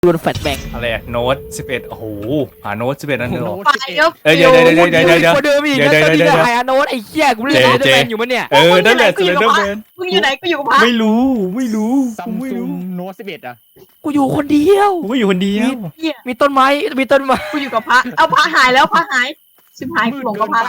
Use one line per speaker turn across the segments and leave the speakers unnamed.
โดนแฟลชแบง
อะไรอะโน้ต11โอ้โหหาโน้ต11นั่นเลยเหรอ
ไปเยอะ
เดี๋ยว
กว่าเดิมอีกแล้วตอนนี้ก็หายโน้ตไอ้เหี้ยกูเล่นสเลนเดอร์แมนอยู่มั้ยเนี่ย
นั่นแหละสเลนเดอร์แมน
มึงอยู่ไหนกูอยู่กับพระ
ไม่รู้
ซัมซุงโน้ต11อ่ะ
กูอยู่คนเดียว
กูก็อยู่คนเดียว
เหี้ย
มีต้นไม้
กูอยู่กับพระเอาพระหายแล้วพระหายชิบหายกูหลงกับพระ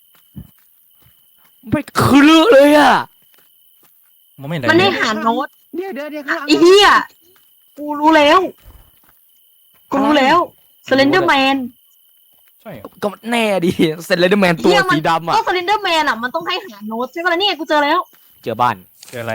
ไม่คือเลือกเลยอ่ะ
มันไม่ได้
มันได้หาโน้ต
เดี๋ยวข้างหลัง
ไอ้เหี้ยกูรู้แล้วสเลนเดอร์แมน
ใช่เหรอ
ก็แน่ดิสเลนเดอร์แมนตัวสีดำอ่ะ
ก็สเลนเดอร์แมนอ่ะมันต้องให้หาโน้ตใช่ไหมล่ะเนี่ยกูเจอแล้ว
เจอบ้าน
เจออะไร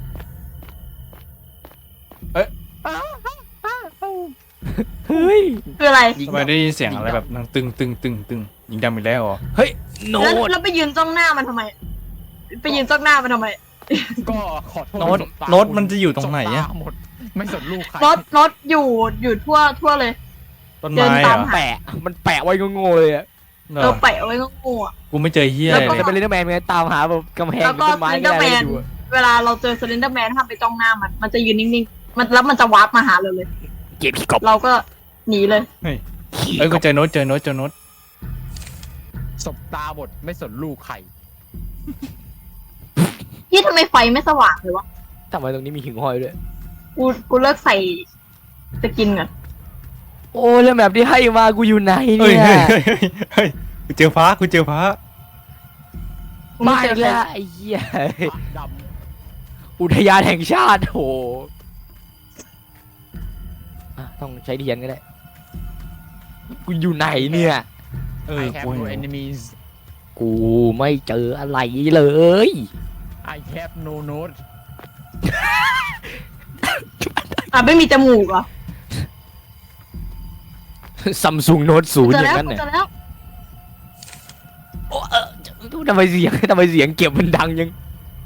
เฮ้ย
คืออะไร
ทำไมได้ยินเสียงอะไรแบบนั่งตึงยิงดำอีกแล้วเหรอ
เฮ้ยโน้
แล้ว
ต
ไปยืนจ้องหน้ามันทำไมไปยืนจ้องหน้ามันทำไม
ก็ขอโทษ
โน้ตมันจะอยู่ตรงไหนอะ
หมดไม่สนลูกใคร
โน้ตอยู่ทั่วเลย
ต้นไม้เหรอ
แปะมันแปะไว้โง่ๆเลยอ่ะ
เหรอ
แปะเอาไว้ก็งูอ่ะ
กูไม่เจอเฮีย
แล้ว
เล
ก็
ย
จะเป็นสเลนเดอร์แมนไงตามหาแบบกำแพง
แล้วก็
ต้นไม้
สเลนเดอร์แมน
ดู
เวลาเราเจอสเลนเดอร์แมนห้ามไปจ้องหน้ามันจะยืนนิ่งๆแล้วมันจะวาร์ปมาหาเราเลย
เก็บขี้กบ
เราก็หนีเลย
กูเจอโน้ตเจอโน้ต
สบตาหมดไม่สนลูกใคร
พี่ทำไมไฟไม่สว่างเลยวะ
ทำไมตรงนี้มีหิ่งห้อยด้วย
กูเลิกใส่สกินก่อน
โอ้แล้วแบบที่ให้มากูอยู่ไหน
เฮ้ย
เนี่ย
กูเจอฟ้ากูเจอฟ้า
กูไม่
บ้า
เจอ
อีก
ใคร
แล้วไอ้เหี้ย
ด
อุทยานแห่งชาติโหต้องใช้เทียนก็ได้กูอยู่ไหนเนี่ย
ำ I
กู
have no
เห็น
enemies
กูไม่เจออะไรเลย
I have no note
ไม่มีจมูกเหรอ
ซัมซุงโน้ตศูน
เจ
ย์
อ
อ
แล้ว
ย่างนั้น
กู
เนี่ย
เจอแล้ว
ทำไมเสียงเก็บมันดังยัง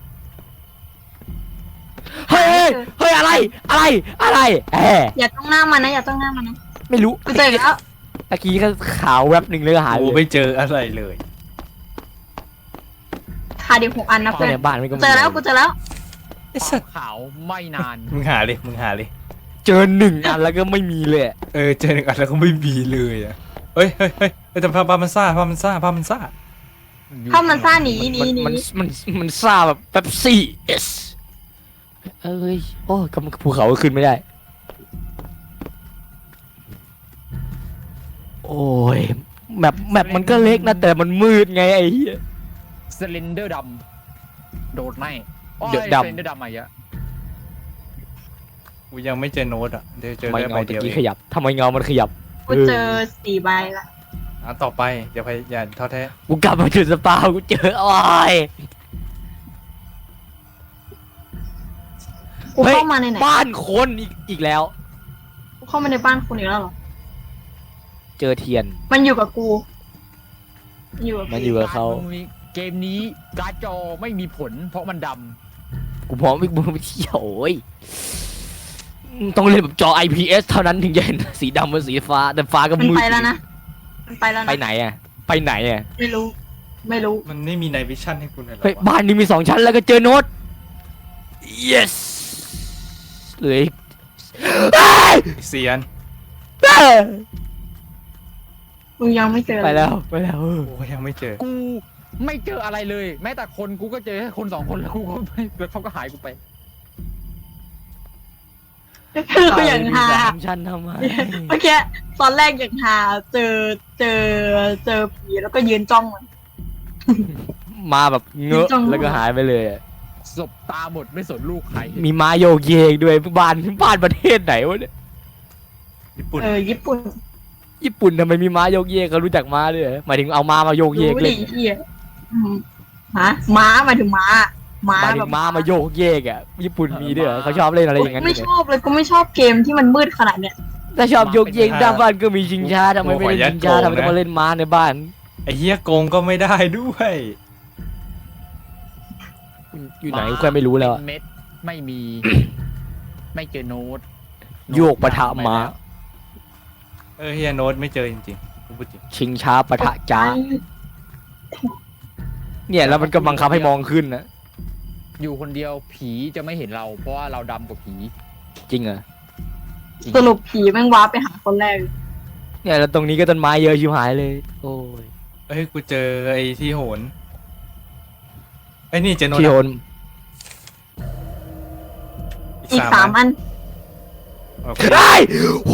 เฮ้ยเฮ้ยอะไรแหม
อย่าจ้องหน้ามันนะอย่าจ้องหน้ามันนะ
ไม่รู้
กูเจอแล้ว
ตะกี้ก็ขาวแวบหนึ่งเลยก็หาย
กู
ไป
ไม่เจออะไรเลย
ขาดอีก6 อันนะ
ก็
เพื่อน
ในบ้านมันก็
เจอแล้วกูเจอแล้ว
ไอ้สัตว์
ขาวไม่นาน
มึงหาเลย
เจอหนึ่งอันแล้วก็ไม่มีเลย
เจอหนึ่งอันแล้วก็ไม่มีเลยอ่ะเฮ้ยแต่ภาพมันซ่า
ถ้ามันซ่าหนี
มันซาแบบเป๊ปซี่เอสเอ้ยโอ้กำลังภูเขาก็ขึ้นไม่ได้ โอ้ยแมปมันก็เล็กนะแต่มันมืดไงไอ้เหี้ย
สเลนเดอร์ดำโดดไม่
เดอะดำ
สเลนเดอร์ดำอะไรอ่ะ
กูยังไม่เจอโน้ตอ่ะเดี๋ยวเจอ
ทำไม
ได้ใบ
เงา
เดี
ตะ
ยว
กี้
เอ
ข
ง
ยับทำไมเงามันขยับ
กูเจอ4 ใบละ
ต่อไปอย่าท้อแท้
กูกลับมาจุดสปาวกูเจอโอ้ย
กูเข้ามาในไหน
บ้านคนอีกแล้ว
กูเข้ามาในบ้านคุณอีกแล้วเหรอ
เจอเทียน
มันอยู่กับกูอยู่กับ
มันอยู่กับเขา
เกมนี้การ์ดจอไม่มีผลเพราะมันด
กูพร้อมไปเที่ยวโอ้ยต้องเล่นแบบจอ IPS เท่านั้นถึงจะเห็นสีดำกับสีฟ้าแต่ฟ้าก็
มัน
มืด
ไปแล้วนะมันไปแล้ว
ไป
นะ
ไหนอ่ะไปไหนอ่ะ
ไม่รู้
มันไม่มีไนวิชั่นให้คุณเลยหรอ
เฮ้ยว
ะ
บ้านนี้มี2 ชั้นแล้วก็เจอโน้ต yes เหลืออีกเอ้ย
เซียน
มึงยังไม่เจอ
ไปแล้ว
กูก็ยังไม่เจอ
ำกูไม่เจออะไรเลย แม้แต่คนกูก็เจอแค่คน2 คนแล้วกูก็ไม่แล้วเขาก็หายกูไป
คืออย่างฮา
3 ชั้นทำไม
เมื่อกี้ตอนแรกอย่างฮาเจอผีแล้วก็ยืนจ้องมัน
มาแบบเงอะ
จัง
แล้วก็หายไปเลยอะ
สบตาหมดไม่สนลูกใคร
มีม้าโยกเยกด้วยบ้านประเทศไหนวะเนี่ย
ญี่ปุ่น
ญี่ปุ่น
ญี่ปุ่นทำไมมีม้าโยกเยกเขารู้จักม้าด้วยเหรอหมายถึงเอาม้ามาโยกเยก
รู้
เล
ดิ
ย
เฮียฮะม้าหมายถึงม้า
หมายถึ
แบบ
งม้ามาโยกเยกอ่ะญี่ปุ่นมีด้วยเหรอเขาชอบเล่นอะไรอย่างนั้น
ไม่
เนี่ย
ชอบเลยกูไม่ชอบเกมที่มันมืดขนาดเนี้ย
ถ้าชอบโยกเยกด้านบ้านก็มีชิงช้าทำไมไม่เล่นชิงช้าทำไมต้องมาเล่นม้าในบ้าน
ไอ้เฮียโกงก็ไม่ได้ด้วย
อยู่ไหนก็ไม่รู้แล้วอะ
เป็นเม็ดไม่มี ไม่เจอโน้ต
โยกปะทะม้า
เฮียโน้ตไม่เจอจริงๆกูพูดจริง
ชิงช้าปะทะจ้าเนี่ยแล้วมันก็บังคับให้มองขึ้นนะ
อยู่คนเดียวผีจะไม่เห็นเรา เพราะว่าเราดำกว่าผี
จริงเหรอ
สรุปผีแม่งว้าร์ปไปหาคนแรก
เนี่ยแล้วตรงนี้ก็ต้นไม้เยอะชิบหายเลย โอ้ย
เอ้ยกูเจอไอ้ที่โหนไอ้นี่เจอโน
ที่โหน
อีก3 อัน
โอเค
ได้โห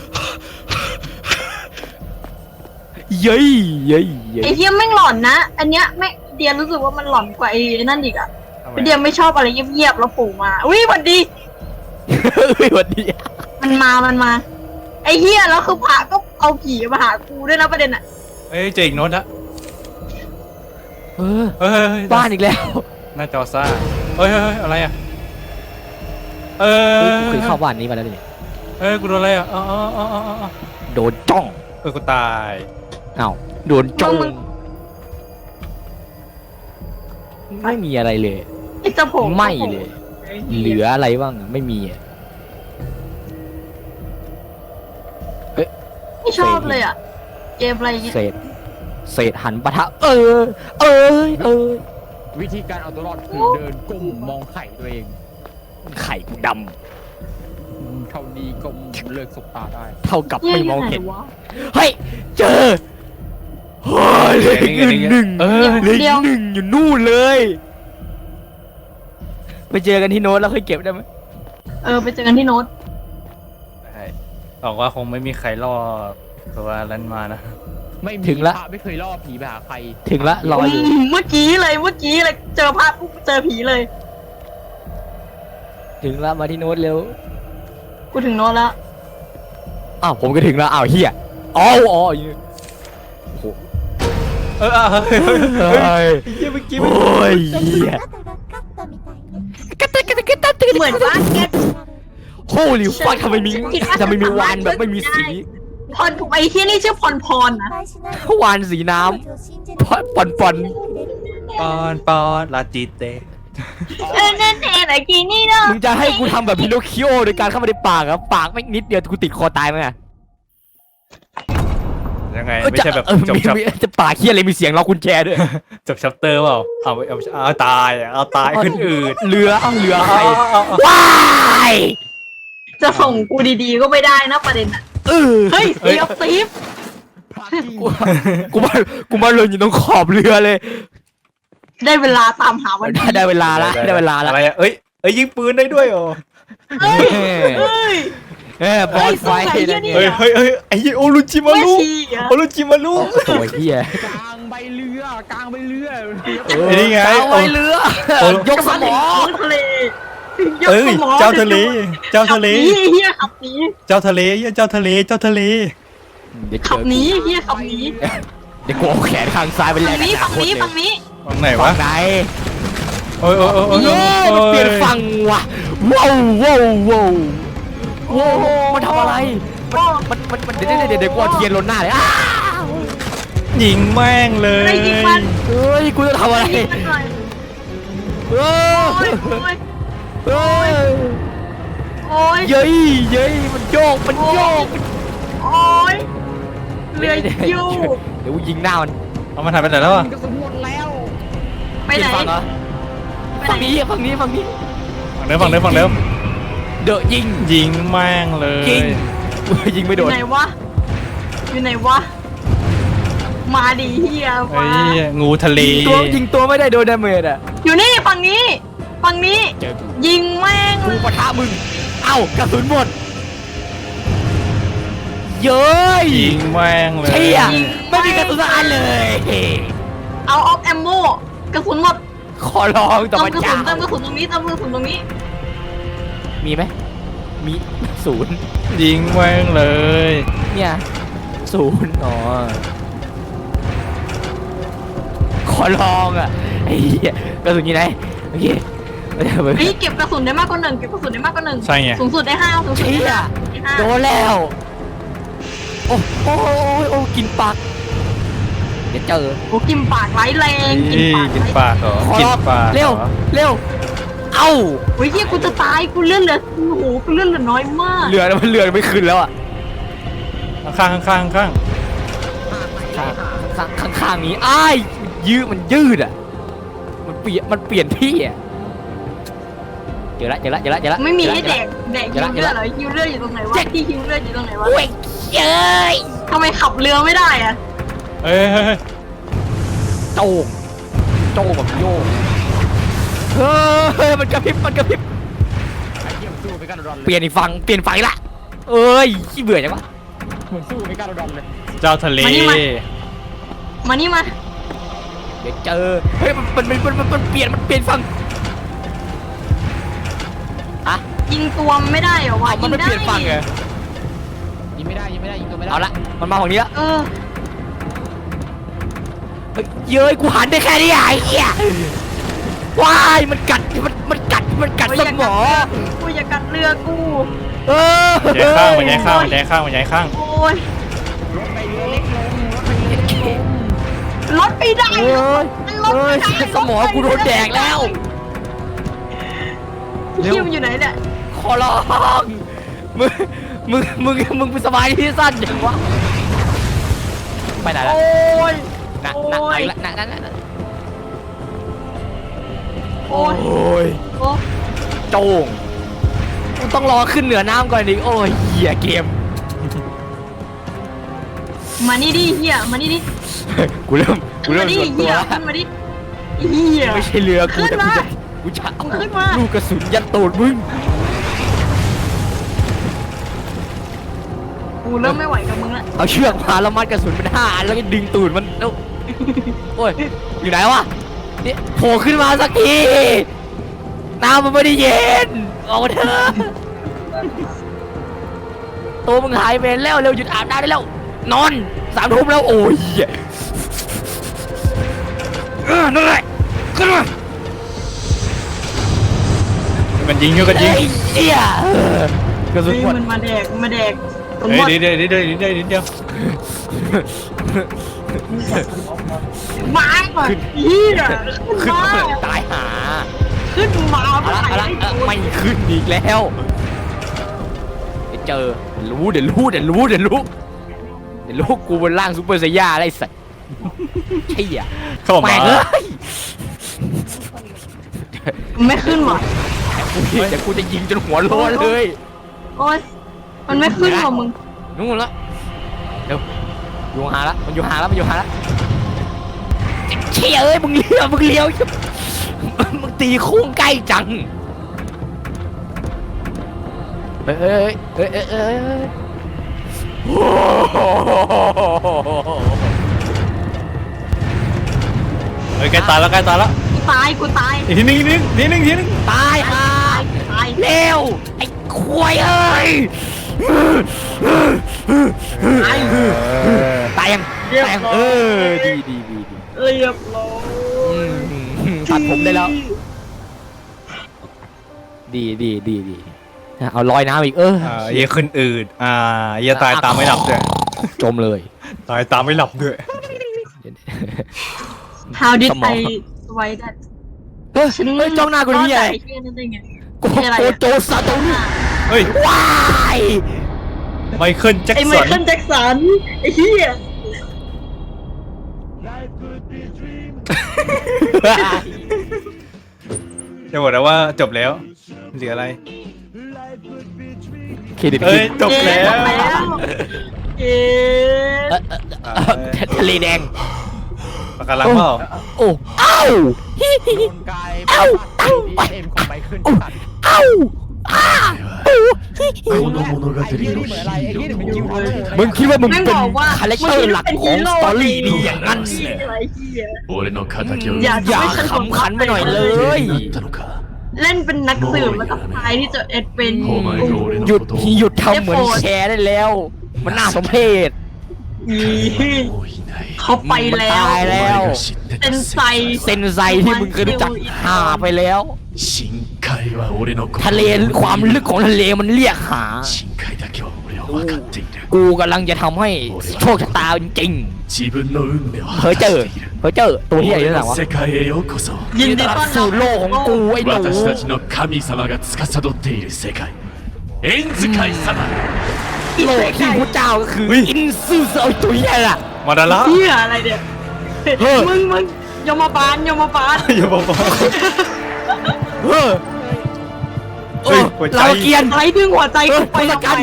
เย้ยเย้ยเย้
ไอ้
ย
เหี้ยแม่งหลอนนะ อันเนี้ยแม่งเดียรู้สึกว่ามันหลอนกว่าไอ้นั่นอีกอะ
ทำไม
เดียไม่ชอบอะไรเงียบๆแล้วปู่มาอุ้ยหวัดดี
เฮ้ยสวัสดี
มันมาไอ้เหี้ยแล้วคือพระก็เอาผีมาหากูด้วยนะประเด็นอะ
เอ้ยเจออีกโน้ตละ
เออ
เฮ้ย
บ้านอีกแล้ว
หน้าจอซ่าเฮ้ยอะไรอ่ะเอ
เฮ้ย
อ
กูเคยเข้าบ้านนี้มาแล้วนี่
กูโดนอะไรอ่ะอ๋อ
โดนจ้อง
กูตาย
อ้าวโดนจ้องไม่มีอะไรเลย
ไอ้เจ้าผม
ไม่เลย เหลืออะไรบ้างไม่มีอะ
ไม่ชอบเลยอะเกมอะไรเงี้ย
เศษหันปะทะ เออ
วิธีการเอาตัวรอดคือเดินก้มมองไข่ตัวเอง
ไข่กูด
เท่านี้ก็เลิกสบตาได้
ำเท่ากับไม่มองเห็น
วะ
เฮ้ย เจอเฮ้ยเหลืออีกหนึ่ง
เออ
เหลืออีกหนึ่งอยู่นู่นเลย ไปเจอกันที่โน้ตแล้วค่อยเก็บได้ไหม
ไปเจอกันที่โน้ต
บอกว่าคงไม่มีใครรอดตัวนั้นมานะ
ไม่มีพระไม่เคยล่อผีไปหาใคร
ถึงละรออยู่
เมื่อกี้เลยเจอภาพปุ๊บเจอผีเลย
ถึงละมาที่โน้ตเร็ว
กูถึงโน้ตแล้ว
อ้าวผมก็ถึงแล้วอ้าวเฮียอ๋อโอ้โห
เฮ้ย
เฮ้ย
เมื่อกี้
โอ้ยเฮีย
เหมือนว่าแก
โฮลิฟักทำไมมีวานแบบไม่มีสี
พรไอ้ที่นี่ชื่อพรนะ
วานสีน้ำปอน
ปอนลาจิเต
นั่นเองไอ้กีนี่เนาะ
มึงจะให้กูทำแบบพิโนคิโอโดยการเข้ามาในปากอะปากไม่นิดเดียวกูติดคอตายไหมอะ
ยังไงไม่ใช่แบบจบ
จะปากเคี้ยอะไรมีเสียงล็อกกุญแจด้วย
จบชัปเตอร์เปล่าเอาตายเอาตายขึ้นอืด
เรือใคร
เอา
ว้าย
จะส่งกูดีๆก็ไม่ได้นะประเด็นอะเฮ้ยเสียบซีฟ
พระจริง
กูมาเลยอยู่ตรงขอบเรือเลย
ได้เวลาตามหาวันนี้
ได้เวลาละได้เวลาละ
อะไรอ่ะเอ้ยยิงปืนได้ด้วยเหรอ
เฮ้ยเฮ้ย
บอสไฟ
เฮ้ยสงสัยเหี้ยนี่
เฮ้ยไอ้โอรุจิมา
ไม่
รุ
ชีอะ
โอรุจิมารุ
โอ้ยเฮีย
กลางใบเรือกลางใบเรือ
นี่ไง
เอาไว้เรือยกสมอ
ทะเล
เอ้ยเจ้าทะเล
เฮียขับหนี
เจ้าทะเลเจ้าทะเล
เดี๋ยว
ขั
เจ
บ
อ
หนีเฮียขับหนี
เดี๋ยวกูเอาแขนข้างซ้ายไปแล
ฝั่
ก
งนี้
กับ
ฝั่งนี้
ค
ฝั่งนี้
ฝั่งไหน
ฝั่
วะ
งไหน
โอ้ย
มันเปลี่ยนฝั่งว่ะว้าวมันทำอะไรมันเดี๋ยวกูเอาเทียนลนหน้าเลยอ้าว
ยิงแม่งเลย
ได้ยิงมัน
เฮ้ยกูจะทำอะไร
ได้ยิงมันหน่อย
เฮ้
โอ้
ย
ยโอ้ย
เฮ้ย
โอ้ย
เย้ยมันโยก
โอ้ยเรือยู
เดี๋ยวกูยิงหน้ามัน
เอามันหายไปไหนแล้วอ่ะ
กระสุนหมดแล้ว
ไปไหน
ฝั่งเหรอฝั่งนี้
ฝั่งเดิม
เดอะยิง
ยิงแม่งเลย
ยิงไม่
อ
โด
ยู่
น
ไหนวะอยู่ไหนวะมาดิเฮีย
ไอ้
มา
งูทะเล
ยิงตัวไม่ได้โดนดาเมจอ่ะ
อยู่นี่ฝั่งนี้
เจอกู
ยิงแม่ง
กูปะทะมึงเอ้ากระสุนหมดเย้ย
ยิงแม่งเลย
เชี่ยไม่มีกระสุนสักอันเลย
เอาออฟแอมโมกระสุนหมด
ขอร้องต่
เติ
อ
ม
มัน
กระสุ
จ้าน
เติมกระสุนตรงนี้เติมกระสุนตรงนี้
มีไหมมีศูนย์
ยิงแม่งเลย
เนี่ยศูนย์อ๋อขอลองอ่ะไอ้เหี้ยกระสุนอยู่ไหนโอเค
เฮ้ยเก็บกระสุนได้มากกว่าหนึ่ง
ใช่ไง
สูงสุดได้5สูงสุด
เชี่
ได้
ย
5
โดนแล้วโอ้กินปากเดี๋ยวเจอ
โอ้กินปากไร้แรงกินปาก
กินปากเหรอ
ขอ
กิ
ร
น
อบ
ปาก
เร็วเอ้า
โอ้ยเฮียกูจะตายกูเลื่อนเหลือโอ้โหกูเลื่อนเหลือน้อยมาก
เรือมันไม่ขึ้นแล้วอ่ะ
ข้าง
ข้างนี้อ้ายมันยืดอ่ะมันเปลี่ยนที่อ่ะเจอละเจอละเจอละเจอละ
ไม่มีให้แดก
เดี๋
ฮิ
ยว
ว
ละ
เลือดเหรอฮิวเลือดอยู่ตรงไหนวะที่ฮิวเลือดอยู่ตรงไหนวะ
โอ้ยเย้ย
ทำไมขับเรือไม่ได้อะ
เฮ้ยเฮ้ยเฮ้ย
โจงโจงแบบโยกเฮ้ยมันกระพริบมันกระพริบ
ไอ้เหี้ยมันสู้ไม่กล้าโดนเลย
เปลี่ยนอีกฝั่งเปลี่ยนฝั่งอีกละเอ้ยขี้เบื่อจังวะ
เหมือนสู้ไม่กล้าโดนเลย
เจ้าทะเล
มานี่มา
เดี๋ยวเจอเฮ้ยมันเปลี่ยนฝั่งอะ
ยิงตัวมันไม่ได้เหรอวะ
มันไม่เปลี่ยนฝั่งเหรอ
ยิงไม่ได้ยิงตัวไม่ได้
เอาละมันมาฝั่งนี้ละ
เออ
เฮ้ยเย้ยกูหันได้แค่นี้ไอ้เหี้ยว้ายมันกัดสมอง
กูอย่ากัดเรือกู
เออ
มันย้ายข้างมันย้ายข้างมันย้ายข้าง
โอ้ย
รถไปเรือเล็กลงรถไปเรือเล็กลง
รถไม่ได้
เอ้ย
มันรถ
เอ้ย
ไม่ได้
สมองกูโดนแดกแล้ว
เที่ยวมันอยู่ไหนเนี่ย
ขอร้องมึงเป็นสบายที่สั้นอย่างวะไปไหนละ
โอ้ย
นะ
โอ้ย
นะ
โอ้ย
โอ้ย
โอ้ย
โจงกูต้องรอขึ้นเหนือน้ำก่อนดิโอ้ยเหี้ยเกม
มานี่ดิเฮียมานี่ดิ
กูเริ่ม
ขึ้นมาดิ
ส่วนตั
เฮี
วย ละ
ขึ้นมาดิเฮีย
ไม่ใช่เรือกู
ขึ้น
แต่
มา
กูจะเอา
ขึ้นมา
ลูกกระสุนยัดตูดมึง
กูเริ่มไม่ไหวกับมึงละ
เอาเชือกมาแล้วมัดกระสุนเป็น5 อันแล้วก็ดึงตูดมันแล้วโอ้ยอยู่ไหนวะนี่โผล่ขึ้นมาสักทีน้ำมันไม่ได้เย็นออกมาเถอะตัวมึงหายไปแล้วเร็วหยุดอาบน้ำได้แล้วนอน3 ทุ่มแล้วโอ้ยนั่นแหละขึ้นมา
มันยิงอยู่กันยิง
ไอ้เหี้ยกระสุน
เฮ้ย
หมด
มันมาแดกมาแดกผม
เฮ้
หม
ย
ด
เดี๋ยว
มาก่อนเฮีย
ขึ้น
มา
มาตายหา
ขึ้นมา
เอาละเอาละไม่ขึ้นอีกแล้วเดี๋ยวเจอเดี๋ยวรู้กูบนล่างซูเปอร์ไซย่าอะไรสัตว์ใช่อ่ะ
เข้ามา
แม่งเอ้ย
ไม่ขึ้นหรอ
เดี๋ยวกูจะยิงจนหัวโล้นเลย
โอ๊ยมันไม่ขึ้นหรอมึง
นู่นละเดี๋ยวอยู่ห่างละมันอยู่ห่างละเชี่ยเอ้ยมึงเลี้ยวมึงตีโค้งใกล้จังเอ้ยโอ้โห
เฮ้ยใกล้ตายแล้ว
กูตาย
อีกทีนึง
ตายห่า
ตาย
เร็วไอ้ควายเอ้ยตายยังดี
เรียบร้อย
ตัดผมได้แล้ว ดีเอาลอยน้ำอีก
เหี้ยขึ้นอืดเหี้ยตายตามไม่หลับด้วย
จมเลย
ตายตามไม่หลับด้วย
How did
สมอง
I survive that
เฮ้ยจ้องหน้ากูนี่ไง
ไอ้เหี้ยนั่นได้ไง
โกโจซาโตรุ
เฮ้ย
ว้าย
ไมเคิลแจ็ค
ไอ้ไม
สัน
เคิลแจ็คสันไอ้เหี้ย
จะบอกแล้วว่าจบแล้วเหลืออะไร
เครดิต
เอ้ยจบแล้ว
จบแล้วเอ๊ะ
ทะเลแดง
ปากการังเปล่า
โอ้เอ้า
โดนกาย
เอ้า
ดีเอ็มของไมเคิล
เอ้าอ้า
ไอ้เหี้ยนี่เหมือนอะไรไอ้เหี้ยนี่มันยิงทะลุ
มึงคิดว่ามึง
แม่ง
เป็น
บอกว่า
คาแรคเตอร์หลักของสตอรี่ดีอย่างนั้น
เหี้ยอะไรเหี้ย
俺の仇を
อย่าขำขันไปหน่อยเลย
ったのか
เล่นเป็นนักสืบแล้วก็ตายที่จะเอ็ดเป็น
หยุดทำเหมือนแชร์ได้แล้ว มันน่าสมเพช
อี
もういない
เขาไปแล้ว
ตายแล้ว
お前が知って
เป็น
た
ไซ
เซนไซที่มึงเคยรู้จักหาไปแล้ว
深海は俺の心
ทะเลความลึกของทะเลมันเรียกหา
深海だけは俺は分かっている
กูกำลังจะทำให้โชคชะตาจริง
自分の運命を
ๆเฮ้ย
果
เจ
た
อ
している
เฮ้ยเจอตัวที่ใหญ่ที่ไหน
俺
วะ
の世界へようこそ
ยินดีต้อนรับ
สู่โลกของกูไอ้หนู
私たちの神様が司っている世界エンズ界様
โลกที่พระเจ้าก็คืออินซูเซอตัวใหญ่ล่ะ
มาดาระ
เหี้ยอะไรเนี่ย
เฮ้ย
มึงยมบาล
อย่าบอกว่า
เฮ้ยโอ้เราเกียน
ใครดึงหัวใจกูไป
ทศ
ทำ
กัณ
ไม
ฐ์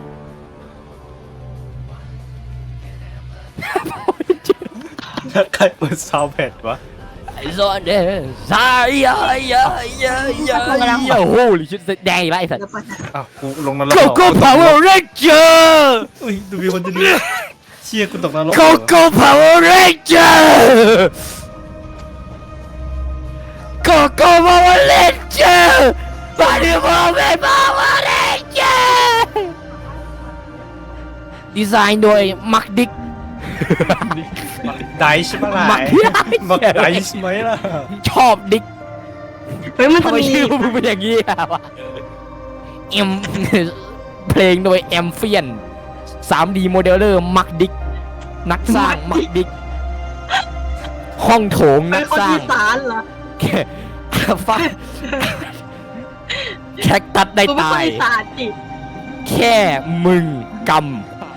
แล้วใครเปิดซาวด์แพดวะ
ไอ้ซอนเดสายยายายายายาโอ้ยชุดแดงอีกแล้วไอ้สัตว์
เดี๋ยวไปนะ
อ้าวกูลงนรก
โกโก้พาวเวอร์เรนเจอร์
อุ้ยดูมีคนจะดูเชี่ยกูตกนรก
โกโก้พาวเวอร์เรนเจอร์โกโก้พาวเวอร์เรนเจอร์มาดูพาวเวอร์เรนเจอร์ดีไซน์โดยมักดิก
ไดช์ปะล่ะ
มัก
มักไดช์ไหมล่ะ
ชอบดิก
เฮ้ยมันจะ
ทำไม
มี
ชื่อมึงเป็นอย่างนี้อะวะเอ็ม เพลงโดยแอมเฟียน 3D โมเดลเลอร์มักดิกนักสร้างมักดิกห้องโถง
เป็
นั
น
ก
คน
สร้าง
อีสานเหรอ
แค่ฟ้าแคคตัดได้
กูเป็นค
ตาน ย
อีสานจิ
แค่มึงกำ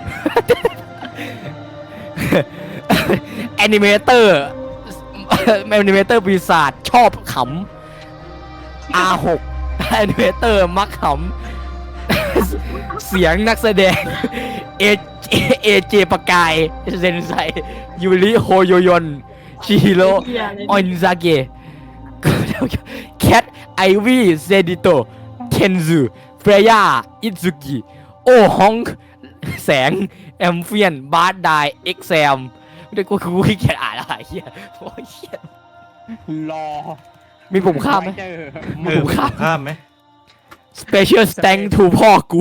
แอนิเมเตอร์ปีศาจชอบขำ R6 แอนิเมเตอร์มักขำ เสียงนักแสดง เจปากายเซนไซยูริโฮโยยอนชิฮิโร่
เหี้ยอะไร
ออนซาเกะแคทไอวี่เซดิโตเทนซูเฟรย่าอิซุกิโอฮองแสงแอมเฟียนบาร์ดไดเอ็กแซมไม่ได้กูขี้เกียจอ่านอะไรเฮียโอ้ยเฮีย
รอ
มีปุ่มข้ามไหม
เจอ
มีปุ่มข้าม
ข้ามไหม
Special Thank to พ่อกู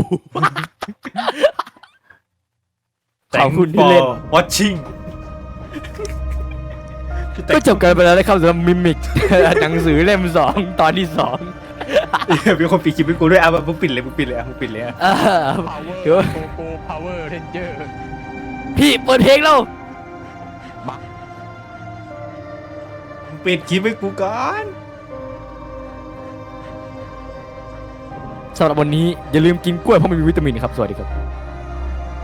ขอบคุณที่เล่น
Thanks for watching
ก็จบกันไปแล้วนะครับสำหรับมิมิก หนังสือเล่ม 2 ตอนที่ 2
มีคนปิดคลิปให้กูด้วยอ่ะมึงปิดเลยมึงปิดเลยอ่ะมึงปิดเลยอ่ะ
เออ
Power
เดี๋ยว
Go Power Ranger
พี่เปิดเพลงแล้ว
มึงปิดคลิปให้กูก่อน
สำหรับวันนี้อย่าลืมกินกล้วยเพราะมันมีวิตามินครับ สวัสดีครับ